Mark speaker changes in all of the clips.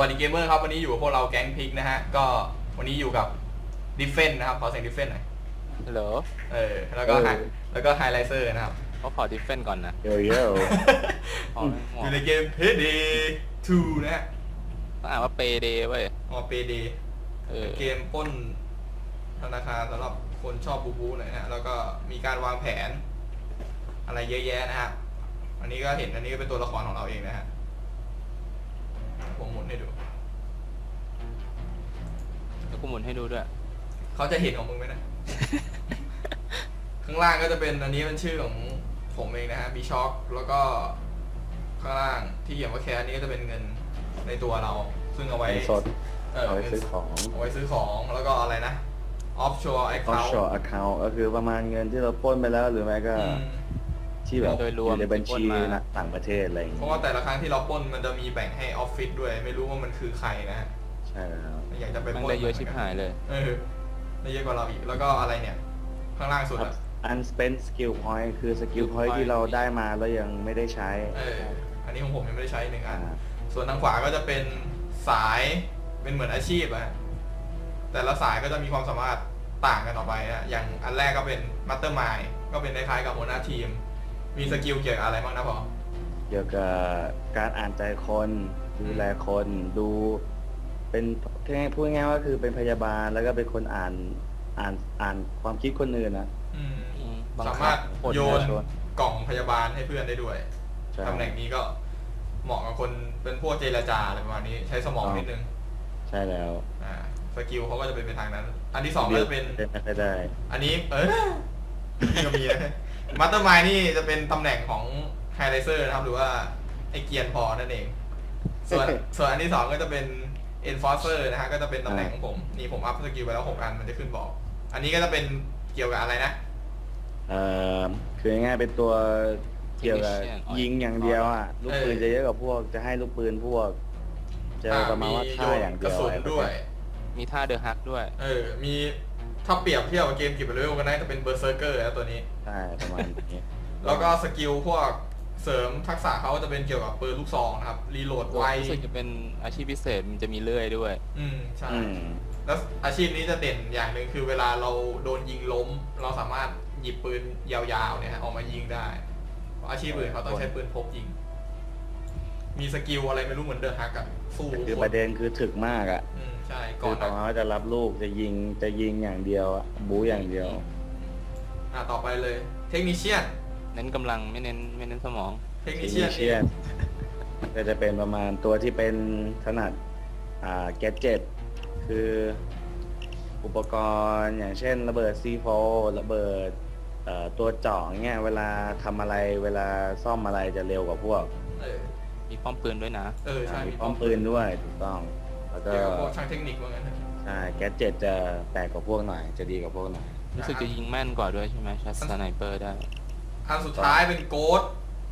Speaker 1: วัสดีเกมเมอร์ครับวันนี้อยู่กับพวกเราแก๊งพิกนะฮะก็วันนี้อยู่กับดิฟเฟนนะครับขอเสียงดิฟเฟนหน่อย
Speaker 2: ฮัลโหล
Speaker 1: แล้วก็ไฮไลเซอร์นะครับ
Speaker 2: เขาขอดิฟเฟนก่อนนะ
Speaker 3: โยโย่
Speaker 1: อยู่ในเกมเพย์เดย์2นะฮะ
Speaker 2: ต้องอ่านว่าเปเดเว้ย
Speaker 1: เพย์เดย์เกมปล้นธนาคารสำหรับคนชอบบูหน่อยนะฮะแล้วก็มีการวางแผนอะไรเยอะแยะนะฮะอันนี้ก็เห็นอันนี้ก็เป็นตัวละครของเราเองนะฮะผมหมุนให้ดู
Speaker 2: แล้วกูหมุนให้ดูด้วย
Speaker 1: เขาจะเห็นของมึงไหมนะ ข้างล่างก็จะเป็นอันนี้เป็นชื่อของผมเองนะฮะมีช็อคแล้วก็ข้างล่างที่เขียนว่าแคสนี้ก็จะเป็นเงินในตัวเราซึ่งเอาไว้
Speaker 3: สดเอาไว้ซื้อของ
Speaker 1: แล้วก็อะไรนะ offshore
Speaker 3: account ก็คือประมาณเงินที่เราปล้นไปแล้วหรือไม่ก็ที่แบบอยู่ในบัญชีต่างประเทศอะไรอย่างเงี้ย
Speaker 1: เพราะว่าแต่ละครั้งที่เราปล้นมันจะมีแบ่งให้ออฟฟิศด้วยไม่รู้ว่ามันคือใครนะฮะ
Speaker 3: ใช่แล้ว
Speaker 1: อยากจะไปปล้น
Speaker 2: ได้เยอะชิบหายเลย
Speaker 1: ได้เยอะกว่าเราอีกแล้วก็อะไรเนี่ยข้างล่างสุด
Speaker 3: unspent skill point คือสกิลพอยต์ที่เราได้มาแล้วยังไม่ได้ใช้
Speaker 1: อันนี้ของผมยังไม่ได้ใช้1 อันส่วนทางขวาก็จะเป็นสายเป็นเหมือนอาชีพอะแต่ละสายก็จะมีความสามารถต่างกันออกไปนะอย่างอันแรกก็เป็นมัตเตอร์มายก็เป็นคล้ายๆกับหัวหน้าทีมมีสกิลเกี่ยวกับอะไรบ้างนะพ่อ
Speaker 3: เกี่ยวกับการอ่านใจคนดูแลคนดูเป็นพูดง่ายๆว่าคือเป็นพยาบาลแล้วก็เป็นคนอ่านความคิดคนอื่นนะ
Speaker 1: สามารถโยนกล่องพยาบาลให้เพื่อนได้ด้วยตำแหน่งนี้ก็เหมาะกับคนเป็นพวกเจรจาอะไรประมาณนี้ใช้สมองนิดนึง
Speaker 3: ใช่แล้ว
Speaker 1: สกิลเขาก็จะเป็นไปทางนั้นอันที่2ก็จะเป็น
Speaker 3: ไม่ได้
Speaker 1: อันนี้ก็มีนะมัตเตอร์มายนี่จะเป็นตำแหน่งของไฮไลเซอร์นะครับหรือว่าไอเกียนพอนั่นเองส่วนอันที่2ก็จะเป็นenforcer นะฮะก็จะเป็นตำแหน่งของผมนี่ผมอัพสกิลไปแล้ว6 อันมันจะขึ้นบอกอันนี้ก็จะเป็นเกี่ยวกับอะไรนะ
Speaker 3: คือง่ายๆเป็นตัวเกี่ยวกับยิงอย่างเดียวอ่ะลูกปืนจะเยอะกว่าพวกจะให้ลูกปืนพวกจะประมาณว่าท่าอย่างเดียว
Speaker 1: กระสุนด้วย
Speaker 2: มีท่าเดอะฮักด้วย
Speaker 1: มีถ้าเปรียบเทียบกับเกมกิบเลเวลกันได้จะเป็นเบอร์เซอร์เกอร์แล้วตัวนี้
Speaker 3: ใช่ประมาณนี้
Speaker 1: แล้วก็สกิลพวกเสริมทักษะเขาจะเป็นเกี่ยวกับปืนลูกซองนะครับรีโหลดไว
Speaker 2: รู้สึกจะเป็นอาชีพพิเศษมันจะมีเลื่อยด้วย
Speaker 1: ใช่แล้วอาชีพนี้จะเด่นอย่างหนึ่งคือเวลาเราโดนยิงล้มเราสามารถหยิบปืนยาวๆเนี่ยออกมายิงได้อาชีพอื่นเขาต้องใช้ปืนพกยิงมีสกิลอะไรไม่รู้เหมือนเดอะฮักอะสู้
Speaker 3: คือประเด็นคือถึกมากอะ
Speaker 1: ใช่
Speaker 3: ก่อนเขาจะรับลูกจะยิงอย่างเดียวบู๊อย่างเดียว
Speaker 1: ต่อไปเลยเทคนิคเชียน
Speaker 2: เน้นกำลังไม่เน้นสมอง
Speaker 1: เทคนิคเชียน
Speaker 3: ก็จะเป็นประมาณตัวที่เป็นถนัดแกดเจ็ตคืออุปกรณ์อย่างเช่นระเบิด C4 ระเบิดตัวเจาะเงี้ยเวลาทำอะไรเวลาซ่อมอะไรจะเร็วกว่าพวก
Speaker 2: มีป้อมปืนด้วยนะ
Speaker 1: ใช่
Speaker 3: มีป้อมปืนด้วยถูกต้อง
Speaker 1: แล้วก็พวกช่างเทคนิคว่างั้น
Speaker 3: ใช่แกดเจ็ตจะแปลกกว่าพวกหน่อยจะดีกว่าพวกหน่อย
Speaker 2: รู้สึกจะยิงแม่นกว่าด้วยใช่ไหมชัดสไนเปอร์ได้
Speaker 1: อันสุดท้ายเป็นโกด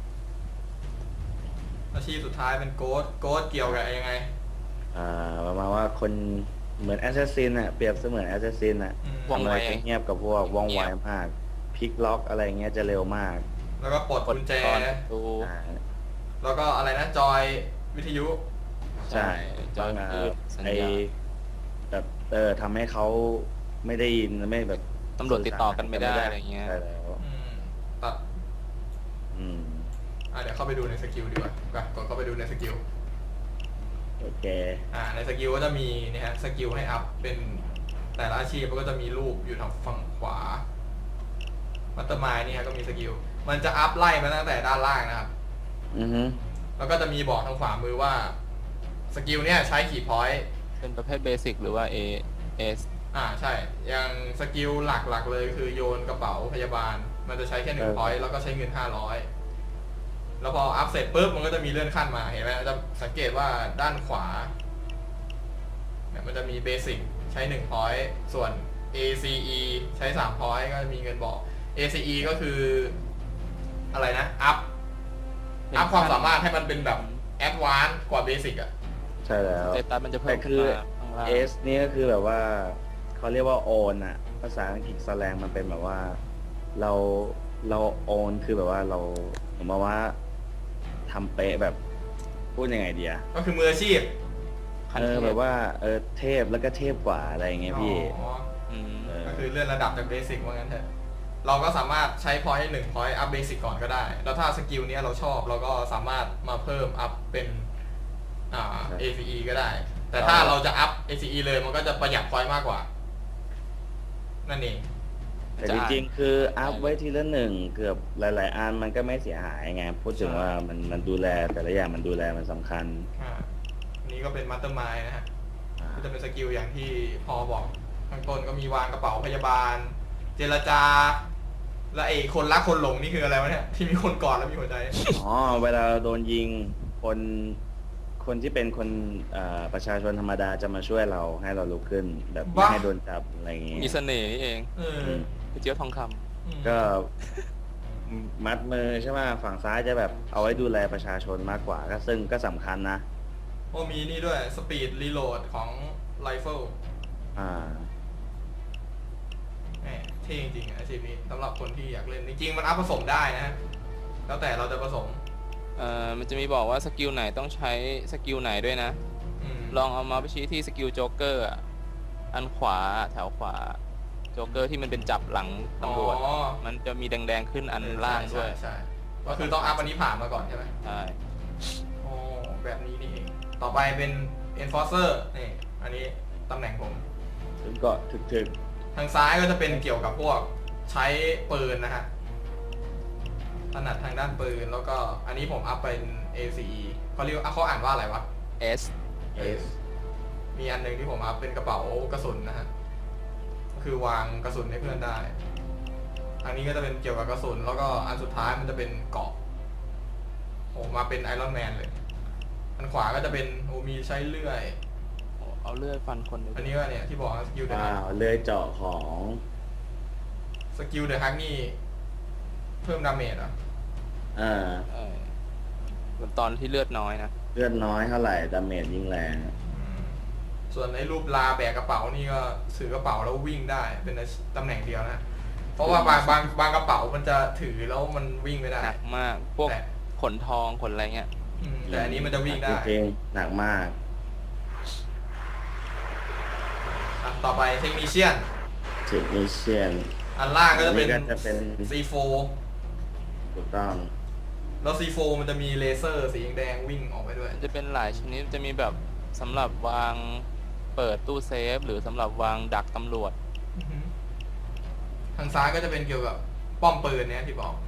Speaker 1: อาชีพสุดท้ายเป็นโกดเกี่ยวกับยังไง
Speaker 3: ประมาณว่าคนเหมือนแอสซัสซินเปรียบเสมือนแอสซัสซิน
Speaker 2: ว่องไว
Speaker 3: เงียบกับพวกว่องไวมากพลิกล็อกอะไรเงี้ยจะเร็วมาก
Speaker 1: แล้วก็ปลดกุญแจแล้วก็อะไรนะจอยวิทยุ
Speaker 3: ใช่
Speaker 2: จอย
Speaker 3: ไอแบบทำให้เขาไม่ได้ยินไม่แบบ
Speaker 2: ตำรวจติดต่อกันไม่ได้อะไรเงี้ย
Speaker 3: ใช่แล้ว
Speaker 1: ตัดเดี๋ยวเข้าไปดูในสกิลดีกว่ากดเข้าไปดูในสกิล
Speaker 3: โอเค
Speaker 1: ในสกิลก็จะมีนะฮะสกิลให้อัพเป็นแต่ละอาชีพก็จะมีรูปอยู่ทางฝั่งขวามัตเตอร์มายนี่ฮะก็มีสกิลมันจะอัพไล่มาตั้งแต่ด้านล่างนะครับแล้วก็จะมีบอกทางขวามือว่าสกิลเนี้ยใช้กี่พอยต์
Speaker 2: เป็นประเภทเบสิกหรือว่า AS
Speaker 1: ใช่อย่างสกิลหลักๆเลยคือโยนกระเป๋าพยาบาลมันจะใช้แค่1 พอยต์แล้วก็ใช้เงิน500แล้วพออัพเสร็จปุ๊บมันก็จะมีเลื่อนขั้นมาเห็นไหมจะสังเกตว่าด้านขวาเนี่ยมันจะมีเบสิกใช้1 พอยต์ส่วน ACE ใช้3 พอยต์ก็มีเงินบอก ACE ก็คืออะไรนะอัพความสามารถให้มันเป็นแบบแอดวานซ์กว่าเบสิก
Speaker 3: ใช่แล้ว
Speaker 2: เดต้ามันจะเพิ่ม
Speaker 3: คือ S นี่ก็คือแบบว่าเขาเรียกว่า own ภาษาอังกฤษแสลงมันเป็นแบบว่าเรา own คือแบบว่าเราผมว่าทำเป๊ะแบบพูดยังไงดี
Speaker 1: ก็คือมืออาชีพ
Speaker 2: ขั้น
Speaker 3: เอ
Speaker 2: เท
Speaker 3: อ
Speaker 2: พ
Speaker 3: แบบว่าเทพแล้วก็เทพกว่าอะไรอย่างเงี้ยพี่
Speaker 1: อ๋อ
Speaker 2: ม
Speaker 3: เออ
Speaker 1: ก็คือเลื่อนระดับจากเบสิกว่างั้นเถอะเราก็สามารถใช้พอยต์1พอยต์อัพเบสิกก่อนก็ได้ แล้วถ้าสกิลเนี้ยเราชอบเราก็สามารถมาเพิ่มอัพเป็นACE ก็ได้ แต่ถ้าเราจะอัพ ACE เลยมันก็จะประหยัดพอยต์มากกว่า นั่นเอง
Speaker 3: แต่จริงๆคืออัพไว้ทีละหนึ่งเกือบหลายๆอันมันก็ไม่เสียหายไงพูดถึง
Speaker 1: ใช่
Speaker 3: ว่ามันดูแลแต่ละอย่างมันดูแลมันสำคัญ
Speaker 1: อันนี้ก็เป็นมัตเตอร์มายนะฮะ
Speaker 3: อ่า
Speaker 1: ก็จะเป็นสกิลอย่างที่พอบอกข้างต้นก็มีวางกระเป๋าพยาบาล เจรจา และไอ้คนรักคนหลงนี่คืออะไรวะเนี่ยที่มีคนกอดแล้วมีหัวใจ
Speaker 3: อ๋อเวลาเราโดนยิงคนที่เป็นคนประชาชนธรรมดาจะมาช่วยเราให้เราลุกขึ้น แบบไม่
Speaker 1: บ้า
Speaker 3: ให้โดนจับอะไรอย่างงี้
Speaker 2: มีเสน่ห์นี่เอง
Speaker 1: เออ
Speaker 3: อืม
Speaker 2: พี่เจี๊ยบทองคำ
Speaker 3: ก็มัดมือใช่ไหมฝั่งซ้ายจะแบบเอาไว้ดูแลประชาชนมากกว่าก็ซึ่งก็สำคัญนะ
Speaker 1: โอ้มีนี่ด้วยสปีดรีโหลดของไรเฟิล
Speaker 3: อ่า
Speaker 1: แหมเท่จริงๆอาชีพนี้สำหรับคนที่อยากเล่นจริงๆมันอัพผสมได้นะฮะแล้วแต่เราจะผสม
Speaker 2: มันจะมีบอกว่าสกิลไหนต้องใช้สกิลไหนด้วยนะ
Speaker 1: ม
Speaker 2: ลองเอามาไปชี้ที่สกิลโจ๊กเกอร์อะอันขวาแถวขวาโจ๊กเกอร์ที่มันเป็นจับหลังตำรวจ
Speaker 1: อ๋อ
Speaker 2: มันจะมีแดงๆขึ้นอันล่างด้วย
Speaker 1: ใช่ก็คือต้องอัพอันนี้ผ่านมาก่อนใช่ไหม
Speaker 2: ใช่
Speaker 1: อ๋อแบบนี้นี่เองต่อไปเป็น enforcer นี่อันนี้ตำแหน่งผม
Speaker 3: ถึงก็ถึก
Speaker 1: ทางซ้ายก็จะเป็นเกี่ยวกับพวกใช้ปืนนะฮะถนัดทางด้านปืนแล้วก็อันนี้ผมอัพเป็น ACE เขาเรียกเขาอ่านว่าอะไรวะ
Speaker 2: S
Speaker 1: S มีอันหนึ่งที่ผมอัพเป็นกระเป๋ากระสุนนะฮะก็คือวางกระสุนให้เพื่อนได้ อันนี้ก็จะเป็นเกี่ยวกับกระสุนแล้วก็อันสุดท้ายมันจะเป็นเกราะโอ้มาเป็นไอรอนแมนเลย อันขวาก็จะเป็นมีใช้เลื่อย
Speaker 2: เอาเลื่อยฟันคนเลย
Speaker 1: อันนี้ก็เนี่ยที่บอกสกิล
Speaker 3: ๆ
Speaker 1: เดอะ
Speaker 3: ว้า
Speaker 1: ฮัก
Speaker 3: วเลยเจาะของ
Speaker 1: สกิลเดอะฮักนี่เพิ่มดาเมจเหรอ
Speaker 3: อ่า
Speaker 2: เออตอนที่เลือดน้อยนะ
Speaker 3: เลือดน้อยเท่าไหร่ดาเมจยิ่งแรง
Speaker 1: ส่วนในรูปลาแบกกระเป๋านี่ก็ถือกระเป๋าแล้ววิ่งได้เป็นตำแหน่งเดียวนะ เพราะว่าบางกระเป๋ามันจะถือแล้วมันวิ่งไม่ได้
Speaker 2: หนักมากพวก
Speaker 1: แต่
Speaker 2: ขนทองขนอะไรเงี้ย
Speaker 1: แต่อันนี้มันจะวิ่งได้
Speaker 3: จริงๆหนักมาก
Speaker 1: ต่อไปเทคนิเชียน
Speaker 3: เทคนิเชียน
Speaker 1: อันล่างก็จะเป็น
Speaker 3: ก็จะเป็น
Speaker 1: C4
Speaker 3: ถูกต้อง
Speaker 1: แล้ว C4 มันจะมีเลเซอร์สีแดงวิ่งออกไปด้วย
Speaker 2: มันจะเป็นหลายชนิดจะมีแบบสำหรับวางเปิดตู้เซฟ หรือสำหรับวางดักตำรวจ
Speaker 1: อือฮึทางซ้ายก็จะเป็นเกี่ยวกับป้อมปืนเนี่ยที่บอก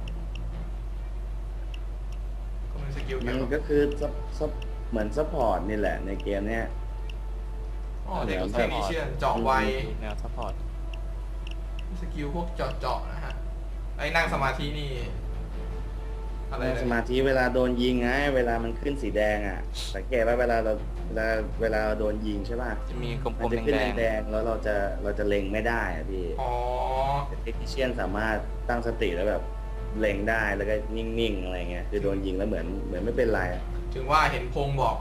Speaker 1: ก็เป็นสกิล
Speaker 3: มั
Speaker 1: เกี่ย
Speaker 3: น
Speaker 1: วกับ
Speaker 3: ก็คือเหมือนซัพพอร์ตนี่แหละในเกมเนี้ย
Speaker 1: อ๋อเด็ก
Speaker 3: เดี๋ยว
Speaker 1: เทคนิเชียนเจาะไว
Speaker 2: แนวซัพพอร์ต
Speaker 1: สกิลพวกเจาะนะฮะไอ้นั่งสมาธินี่อะไร
Speaker 3: นั่ง
Speaker 1: นะ
Speaker 3: สมาธิเวลาโดนยิงไงเวลามันขึ้นสีแดงอ่ะสังเกตว่าเวลาเราโดนยิงใช่ป่ะ
Speaker 2: จะมีกล
Speaker 3: มัน
Speaker 2: ม
Speaker 3: จะ
Speaker 2: ๆ
Speaker 3: ขึ้น
Speaker 2: แดง
Speaker 3: แดงๆแล้วเราจะเล็งไม่ได้อะพี่
Speaker 1: อ๋อ
Speaker 3: แต่เทคนิเชียนสามารถตั้งสติแล้วแบบเล็งได้แล้วก็นิ่งๆอะไรเงี้ยคือโดนยิงแล้วเหมือนไม่เป็นไรอะ
Speaker 1: ถึงว่าเห็นพงบอก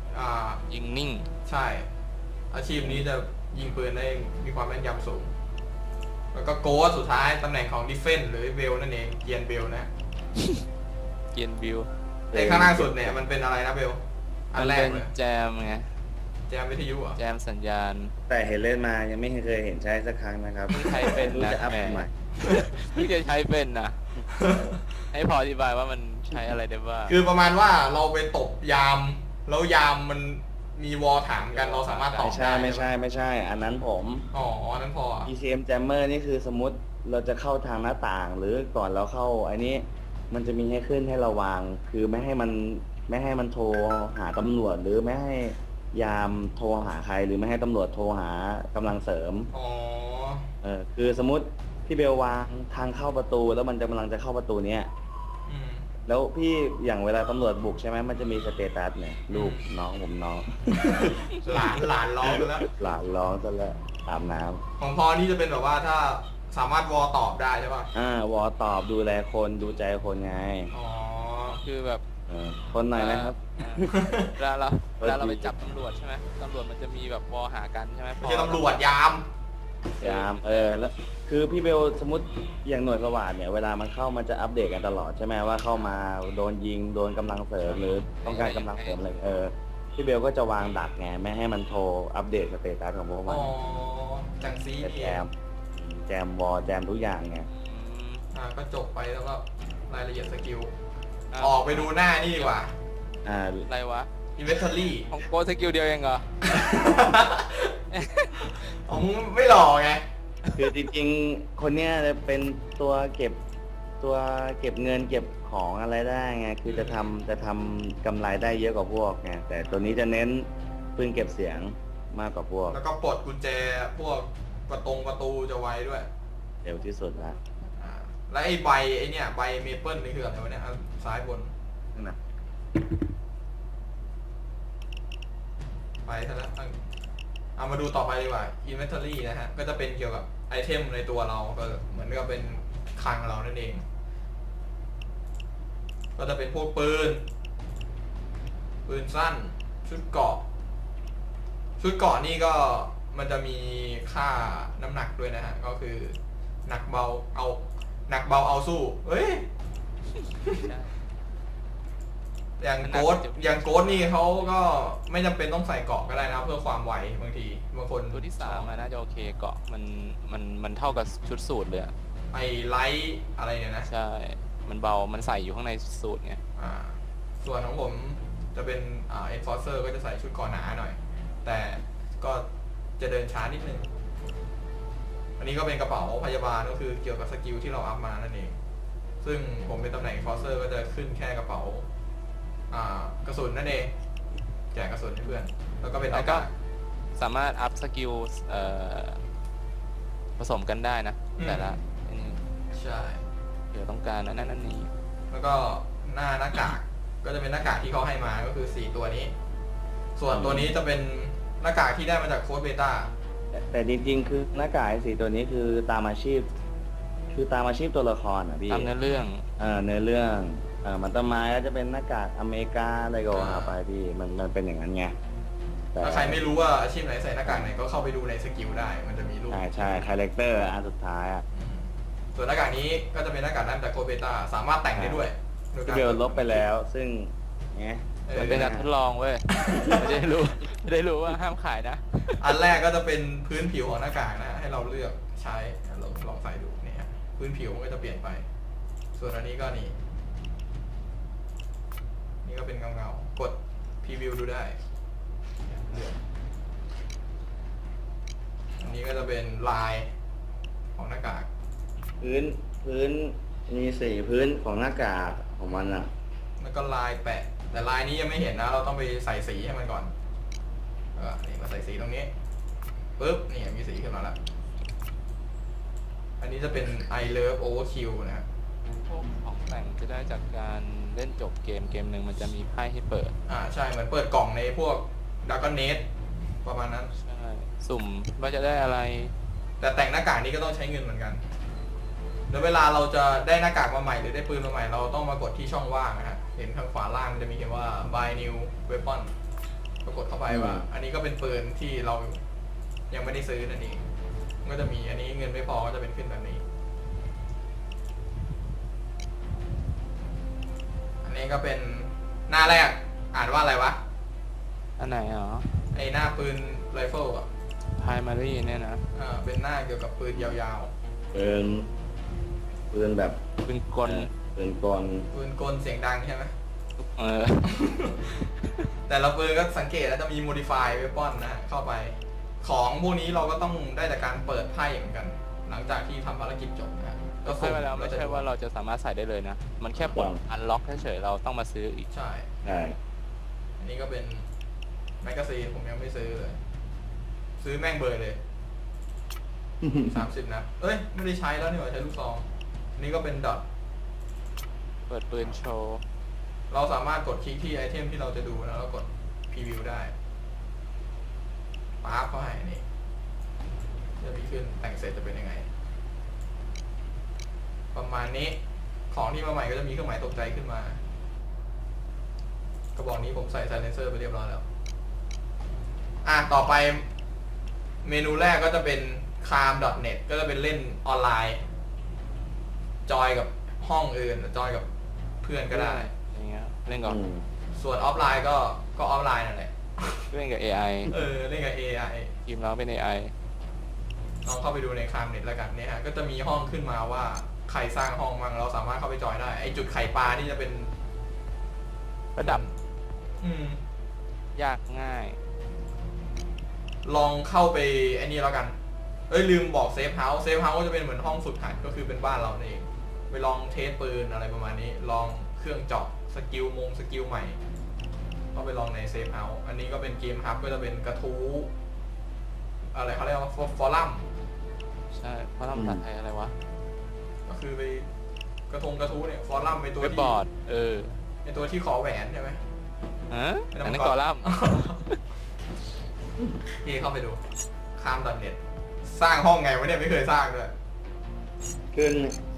Speaker 2: ๆยิงนิ่ง
Speaker 1: ใช่ อาชีพนี้จะยิงปืนได้มีความแม่นยำสูง แล้วก็โกสสุดท้ายตำแหน่งของดิเฟนหรือเบลนั่นเองเกียนเบลนะ
Speaker 2: เกียนวิว
Speaker 1: ในข้างล่างสุดเนี่ยมันเป็นอะไรนะเบล อั
Speaker 2: มัน น
Speaker 1: แร
Speaker 2: เป็
Speaker 1: ก
Speaker 2: น
Speaker 1: เลย
Speaker 2: แจมไง
Speaker 1: แจมวิทยุเหรอ่ะ
Speaker 2: แจมสัญญาณ
Speaker 3: แต่เห็นเล่นมายังไม่เคยเห็นใช้สักครั้งนะครับ
Speaker 2: เพิ่งใช้เป็น
Speaker 3: รู้
Speaker 2: นะ
Speaker 3: จะอัพ
Speaker 2: แหม
Speaker 3: ทำไม
Speaker 2: เพิ่งจะใช้เป็นนะ ให้พออธิบายว่ามันใช้อะไรได้บ้าง
Speaker 1: คือประมาณว่าเราไปตบยาม แล้วยามมันมีวอลถามกันเราสามารถตอบ
Speaker 3: ไม่ใช่
Speaker 1: ได้
Speaker 3: ไม่ใช่ อันนั้นผม
Speaker 1: อ๋ออันนั้นพอ
Speaker 3: ECM Jammer นี่คือสมมติเราจะเข้าทางหน้าต่าง หรือก่อนเราเข้าอันนี้มันจะมีให้ขึ้นให้ระวังคือไม่ให้มันโทรหาตำรวจหรือไม่ให้ยามโทรหาใคร หรือไม่ให้ตำรวจโทรหากำลังเสริม
Speaker 1: อ๋อ
Speaker 3: คือสมมติพี่เบลวางทางเข้าประตูแล้วมันกำลังจะเข้าประตูเนี้ย
Speaker 1: อืม
Speaker 3: แล้วพี่อย่างเวลาตำรวจบุกใช่ไหมมันจะมีสเตตัสเนี่ยลูกน้องผมน้อง
Speaker 1: หลานร้องไปแล้ว
Speaker 3: หลานร้องซะแล้วอาบน้ำ
Speaker 1: ของพอนี่จะเป็นแบบว่าถ้าสามารถวอลตอบได้ใช่ป่ะ
Speaker 3: วอตอบดูแลคนดูใจคนไง
Speaker 1: อ๋อ
Speaker 2: คือแบบ
Speaker 3: คนหน่อยนะครับ
Speaker 2: เวลาเราไปจับตำรวจใช่ไหมตำรวจมันจะมีแบบวอหากันใช่ไหม
Speaker 1: ไม่ใช่ตำรวจยาม
Speaker 3: ยามแล้วคือพี่เบลสมมติอย่างหน่วยสวัสดเนี่ยเวลามันเข้ามันจะอัปเดตกันตลอดใช่ไหมว่าเข้ามาโดนยิงโดนกำลังเสริมหรือต้องการกำลังเสริมอะไรพี่เบลก็จะวางดักไงไม่ให้มันโทรอัปเดตสเตตัสของพวกมั
Speaker 1: อ๋
Speaker 3: น
Speaker 1: อจังซี
Speaker 3: จะ
Speaker 1: นี่
Speaker 3: แจมแจมวอลแจมทุกอย่างไง
Speaker 2: อืม
Speaker 1: ก็จบไปแล้วก็รายละเอียดสกิล
Speaker 2: อ่ะ
Speaker 1: ออกไปดูหน้านี่ดีกว่า
Speaker 2: อะไรวะ
Speaker 1: inventory
Speaker 2: ของโกสกิลเดียวเองเหรอ
Speaker 1: ผมไม่หล่อไง
Speaker 3: คือจริงๆ คนเนี้ยจะเป็นตัวเก็บเงินเก็บของอะไรได้ไง คือจะทำกำไรได้เยอะกว่าพวกไง แต่ตัวนี้จะเน้นปืนเก็บเสียงมากกว่าพวก
Speaker 1: แล้วก็ปลดกุญแจพวกประตูจะไวด้วย
Speaker 3: เร็วที่สุดละ
Speaker 1: แล้วไอ้ใบไอ้เนี่ยใบเมเปิลนี่คืออะไรวะเนี่ยซ้ายบน
Speaker 3: นั่นนะ
Speaker 1: ไปซะแล้วเอามาดูต่อไปดีกว่า inventory นะฮะ ก็จะเป็นเกี่ยวกับไอเทมในตัวเราก็เหมือนกับเป็นคลังเรานั่นเอง ก็จะเป็นพวกปืนสั้น ชุดเกราะนี่ก็มันจะมีค่าน้ำหนักด้วยนะฮะ ก็คือหนักเบาเอาสู้เฮ้ย อย่างโกดนี่เขาก็ไม่จำเป็นต้องใส่เกราะก็ได้นะเพื่อความไวบางทีบางคน
Speaker 2: ตัวที่3น่าจะโอเคเกาะมันเท่ากับชุดสูตรเลยอะ
Speaker 1: ไอไลท์อะไรเนี่ยนะ
Speaker 2: ใช่ มันเบา มันใส่อยู่ข้างในสูตรไง
Speaker 1: ส่วนของผมจะเป็นenforcer ก็จะใส่ชุดเกราะหนาหน่อย แต่ก็จะเดินช้านิดนึง อันนี้ก็เป็นกระเป๋าพยาบาลก็คือเกี่ยวกับสกิลที่เราอัพมานั่นเอง ซึ่งผมเป็นตำแหน่ง enforcer ก็จะขึ้นแค่กระเป๋ากระสุนนั่นเองแจกกระสุนให้เพื่อน แล้วก็เป็นห
Speaker 2: แล้
Speaker 1: น้าว
Speaker 2: ก็
Speaker 1: กาก
Speaker 2: สามารถอัพสกิลผสมกันได้นะ แต่ละอันนี้
Speaker 1: ใช่
Speaker 2: เดี๋ยวต้องการนั่นนี่
Speaker 1: แล้วก็หน้ากากก็จะเป็นหน้ากากที่เขาให้มาก็คือ4ตัวนี้ ส่วนตัวนี้จะเป็นหน้ากากที่ได้มาจากโค้ดเบต้า
Speaker 3: แต่จริงๆ คือหน้ากากไอ้สีตัวนี้คือตามอาชีพ ตัวละครอ่ะพี่
Speaker 2: ตามเนื้อเรื่อง
Speaker 3: เนื้อเรื่องมันต้นไม้ก็จะเป็นหน้ากากอเมริกาอะไรก็ว่าไปพี่มันเป็นอย่างนั้นไงแต่
Speaker 1: ถ้าใครไม่รู้ว่าอาชีพไหนใส่หน้ากากไหนก็เข้าไปดูในสกิลได้ มันจะมีรูป
Speaker 3: ใช่คาแรคเตอร์อันสุดท้ายอ่ะ
Speaker 1: ส่วนหน้ากากนี้ก็จะเป็นหน้ากากนั้นจากโค้ดเบต้าสามารถแต่งได้ด้วยโดย
Speaker 3: พี่
Speaker 1: การ
Speaker 3: เบลลบไปแล้ว ซึ่งไง
Speaker 2: มันเป็นการทดลองเว้ย ไม่ได้รู้ว่าห้ามขายนะ
Speaker 1: อันแรกก็จะเป็นพื้นผิวของหน้ากากนะให้เราเลือกใช้ลองใส่ดูเนี่ยฮะพื้นผิวมันก็จะเปลี่ยนไป ส่วนอันนี้ก็นี่ก็เป็นเงากดพรีวิวดูได้เลือกอันนี้ก็จะเป็นลายของหน้ากาก
Speaker 3: พื้นมีสีพื้นของหน้ากากของมันอ่ะ
Speaker 1: แล้วก็ลายแปะ แต่ลายนี้ยังไม่เห็นนะ เราต้องไปใส่สีให้มันก่อนนี่มาใส่สีตรงนี้ปุ๊บนี่มีสีขึ้นมาแล้ว อันนี้จะเป็น I Love Overkill นะครับ
Speaker 2: พวกของแต่งจะได้จากการเล่นจบเกมหนึ่งมันจะมีไพ่ให้เปิด
Speaker 1: ใช่เหมือนเปิดกล่องในพวกดักก็เนสประมาณนั้น
Speaker 2: ใช่ สุ่มว่าจะได้อะไร
Speaker 1: แต่แต่งหน้ากากนี้ก็ต้องใช้เงินเหมือนกันแล้วเวลาเราจะได้หน้ากากมาใหม่หรือได้ปืนมาใหม่เราต้องมากดที่ช่องว่างนะฮะเห็นข้างขวาล่างมันจะมีเขียนว่า buy new weapon ก็กดเข้าไปว่า อันนี้ก็เป็นปืนที่เรายังไม่ได้ซื้อนั่นเองก็จะมีอันนี้เงินไม่พอก็จะเป็นขึ้นแบบนี้ อันนี้ก็เป็นหน้าแรกอ่านว่าอะไรวะ
Speaker 2: อันไหนอ๋อ
Speaker 1: ไอหน้าปืนไรเฟิลอ่ะ
Speaker 2: primary เนี่ยนะ
Speaker 1: เป็นหน้าเกี่ยวกับปืนยาว
Speaker 3: ปืนแบบ
Speaker 2: เป็นกล
Speaker 3: ปืนกล
Speaker 1: ๆปืนกลเสียงดังใช่ไหม
Speaker 2: เออ
Speaker 1: แต่ละปืนก็สังเกตแล้วจะมี modify weapon นะฮะเข้าไป ของพวกนี้เราก็ต้องได้จากการเปิดไพ่เหมือนกัน หลังจากที่ทำภารกิจจบนะฮะ
Speaker 2: ก็ใช่ไปแล้วไม่ใช่ว่าเราจะสามารถใส่ได้เลยนะ มันแค่ปลดอันล็อกเฉยๆเราต้องมาซื้ออีก
Speaker 1: ใช่
Speaker 3: ใช่
Speaker 1: อันนี้ก็เป็นแมกกาซีนผมยังไม่ซื้อเลย ซื้อแม่งเบยเลย 30 นัดเอ้ย ไม่ได้ใช้แล้วนี่หว่าใช้ลูกซองอันนี้ก็เป็นดอท
Speaker 2: เปิดปืนโชว์
Speaker 1: เราสามารถกดคลิกที่ไอเทมที่เราจะดูนะแล้วกดพรีวิวได้ป๊าบเข้าให้นี่จะมีขึ้นแต่งเสร็จจะเป็นยังไง ประมาณนี้ของที่มาใหม่ก็จะมีเครื่องหมายตกใจขึ้นมากระบอกนี้ผมใส่ไซเลนเซอร์ไปเรียบร้อยแล้วต่อไปเมนูแรกก็จะเป็น calm.net ก็จะเป็นเล่นออนไลน์ จอยกับห้องอื่นจอยกับเพื่อนก็ได้
Speaker 2: อย่างเงี้ยเล่นก่อน
Speaker 1: ส่วนออฟไลน์ก็ออฟไลน์นั่นแหละ
Speaker 2: เล่นกับ AI
Speaker 1: เล่นกับ AI
Speaker 2: ทีมเราเป็น AI
Speaker 1: ลองเข้าไปดูในคลามเน็ตแล้วกันเนี่ยฮะก็จะมีห้องขึ้นมาว่าใครสร้างห้องมั่งเราสามารถเข้าไปจอยได้ไอจุดไข่ปลานี่จะเป็น
Speaker 2: ระดับ
Speaker 1: อืม
Speaker 2: ยากง่าย
Speaker 1: ลองเข้าไปไอ้นี่แล้วกันลืมบอกเซฟเฮาส์ก็จะเป็นเหมือนห้องฝึกหัดก็คือเป็นบ้านเราเองไปลองเทสปืนอะไรประมาณนี้ลองเครื่องเจาะสกิลใหม่ก็ไปลองในเซฟเฮาส์อันนี้ก็เป็นเกมฮับก็จะเป็นกระทู้อะไรเขาเรียกว่าฟอรัม
Speaker 2: ใช่เพราะทำภาษาไทยอะไรวะ
Speaker 1: ก็คือไปกระทู้เนี่ยฟอรัมเป็นตัว
Speaker 2: เว็บ
Speaker 1: ที่
Speaker 2: บอร์ด
Speaker 1: เป็นตัวที่ขอแหวนใช่ไหม
Speaker 2: ฮะอันนั้นกอลัมน์
Speaker 1: พี่เข้าไปดูข้าม.เน็ตสร้างห้องไงวะเนี่ยไม่เคยสร้างเลย
Speaker 3: ขึ้น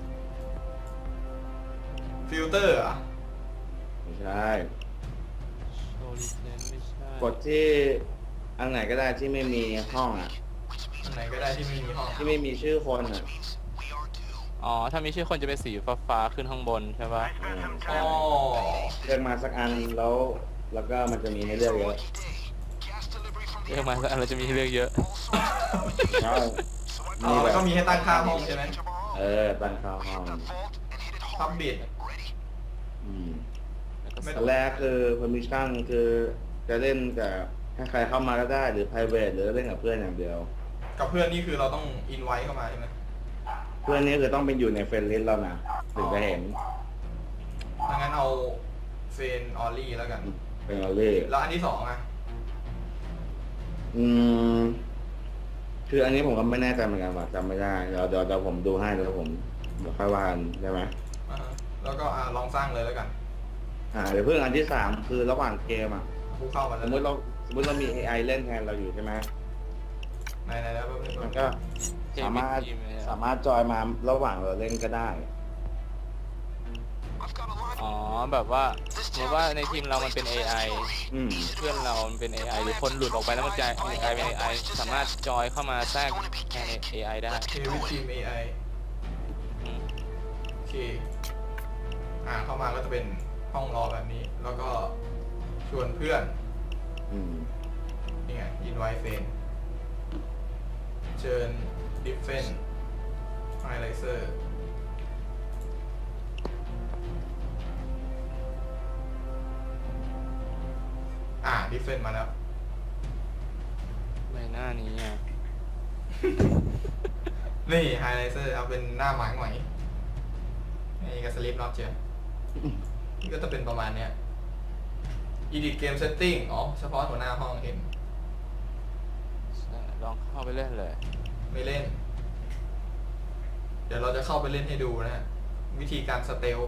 Speaker 1: ฟิลเตอร์อ่ะ
Speaker 3: ไม่ใช่
Speaker 2: โชว์ลิเซนไม่ใช่
Speaker 3: กดที่อันไหนก็ได้ที่ไม่มีห้องอ่ะ
Speaker 1: อันไหนก็ได้ที่ไม่มีห้อง
Speaker 3: ที่ไม่มีชื่อคนอ่ะ
Speaker 2: อ๋อถ้ามีชื่อคนจะเป็นสีฟ้าๆขึ้นข้างบนใช่ปะ
Speaker 1: อ๋อ
Speaker 3: เลือกมาสักอันแล้วก็มันจะมีให้เลือกเยอะ
Speaker 2: เรียกมาสักอันเราจะมีให้เลือกเยอะ
Speaker 3: ใช่
Speaker 1: แล้วก็มีให้ตั้งค่าห้องใช่ไหม
Speaker 3: ตั้งค่าห้อง
Speaker 1: พับบิด
Speaker 3: อืม
Speaker 2: แล้วก็
Speaker 1: ไม่
Speaker 3: อันแรกคือ permission คือจะเล่นกับให้ใครเข้ามาก็ได้หรือ private หรือเล่นกับเพื่อนอย่างเดียว
Speaker 1: กับเพื่อนนี่คือเราต้องอินไว้เข้ามาใช่ไหม
Speaker 3: เพื่อนนี่คือต้องเป็นอยู่ในเฟรนด์ลิสต์เรานะถึงจะเห็น
Speaker 1: ดังนั้นเอาเฟนออลลี่แล้วกัน
Speaker 3: เป็นเราเล่
Speaker 1: แล้วอันที่สองอ่ะ
Speaker 3: อืมคืออันนี้ผมก็ไม่แน่ใจเหมือนกันว่าจำไม่ได้เดี๋ยวผมดูให้เดี๋ยวค่อยว่ากันได้ไหม
Speaker 1: อ่าฮะแล้วก็ลองสร้างเลยแล้วกัน
Speaker 3: เดี๋ยวเพื่อนอันที่สามคือระหว่างเกมอ่ะ
Speaker 1: กูเข้ามา
Speaker 3: ส
Speaker 1: แล้ว
Speaker 3: มมติเรามี AI เล่นแทนเราอยู่ใช่ไหม
Speaker 1: ไหนแล้ว
Speaker 3: มันก็สามารถจอยมาระหว่างเราเล่นก็ได้
Speaker 2: อ๋อแบบว่าสมมติว่าในทีมเรามันเป็น AI
Speaker 3: อืม
Speaker 2: เพื่อนเรามันเป็น AI หรือคนหลุดออกไปแล้วมันกลายเป็น AI สามารถจอยเข้ามาแทรกแทน AI ได้
Speaker 1: เทวิทีม AI
Speaker 2: อืม
Speaker 1: โอเคเข้ามาก็จะเป็นห้องรอแบบนี้ แล้วก็ชวนเพื่อน
Speaker 3: อืม
Speaker 1: นี่ไงอินไวเฟนเชิญดิฟเฟนไฮไลเซอร์ดิฟเฟนมาแล้ว
Speaker 2: ใบหน้านี้อ่ะ
Speaker 1: นี่ไฮไลเซอร์เอาเป็นหน้าหมายหน่อยนี่ก็สลิปน็อตเชียวนี่ก็จะเป็นประมาณเนี้ย Edit Game Setting เฉพาะหัวหน้าห้องเห็น
Speaker 2: ลองเข้าไปเล่นเลย
Speaker 1: ไม่เล่น เดี๋ยวเราจะเข้าไปเล่นให้ดูนะฮะ วิธีการสเตล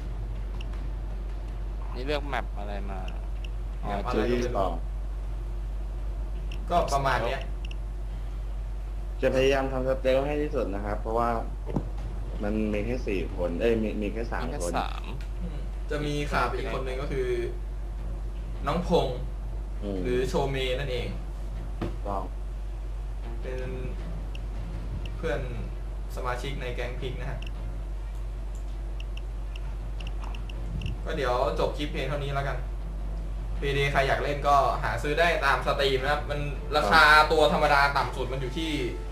Speaker 2: นี่เลือกแมปอะไรมา
Speaker 3: ชื่อที่สอง
Speaker 1: ก็ประมาณเนี้ย
Speaker 3: จะพยายามทำสเตลให้ที่สุดนะครับ เพราะว่ามันมีแค่4 คนมีแค่
Speaker 2: มี
Speaker 3: 3
Speaker 2: แค่
Speaker 3: คน
Speaker 1: จะมีขาดไปอีกคนหนึ่งก็คือ น้องพงษ์หรือโชเมนั่นเอง
Speaker 3: ต้อง
Speaker 1: เป็นเพื่อนสมาชิกในแก๊งพิกนะฮะ ก็เดี๋ยวจบคลิปเพลงเท่านี้แล้วกัน PD ใครอยากเล่นก็หาซื้อได้ตามสตรีมนะครับ มันราคาตัวธรรมดาต่ำสุดมันอยู่ที่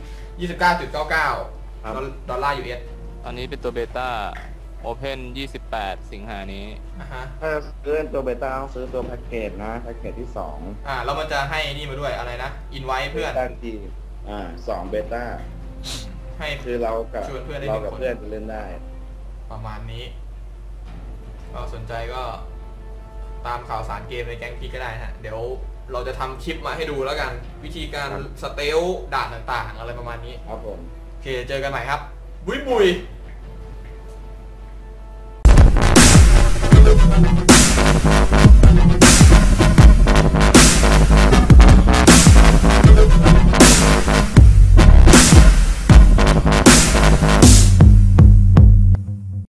Speaker 1: 29.99 ดอลลาร์ US
Speaker 2: ตอนนี้เป็นตัวเบต้า Open 28 สิงหานี้
Speaker 1: ฮะ
Speaker 3: ถ้าซื้อตัวเบต้าต้องซื้อตัวแพ็กเกจนะแพ็กเกจที่2
Speaker 1: แล้วมันจะให้นี่มาด้วยอะไรนะ อินไว้เพื่อน
Speaker 3: เบต้าที2เบต้า
Speaker 1: ให้
Speaker 3: คือเรากับ
Speaker 1: ชวนเพื่อนได้
Speaker 3: เรา
Speaker 1: 1
Speaker 3: กับ
Speaker 1: คน
Speaker 3: เพื่อนจะเล่นได้
Speaker 1: ประมาณนี้ ก็สนใจก็ตามข่าวสารเกมในแก๊งพีก็ได้ฮะ เดี๋ยวเราจะทำคลิปมาให้ดูแล้วกัน วิธีการ
Speaker 3: ครับ
Speaker 1: สเตลด่านต่างๆ อะไรประมาณนี้
Speaker 3: ครับผม
Speaker 1: โอเค เจอกันใหม่ครับ บุยบุย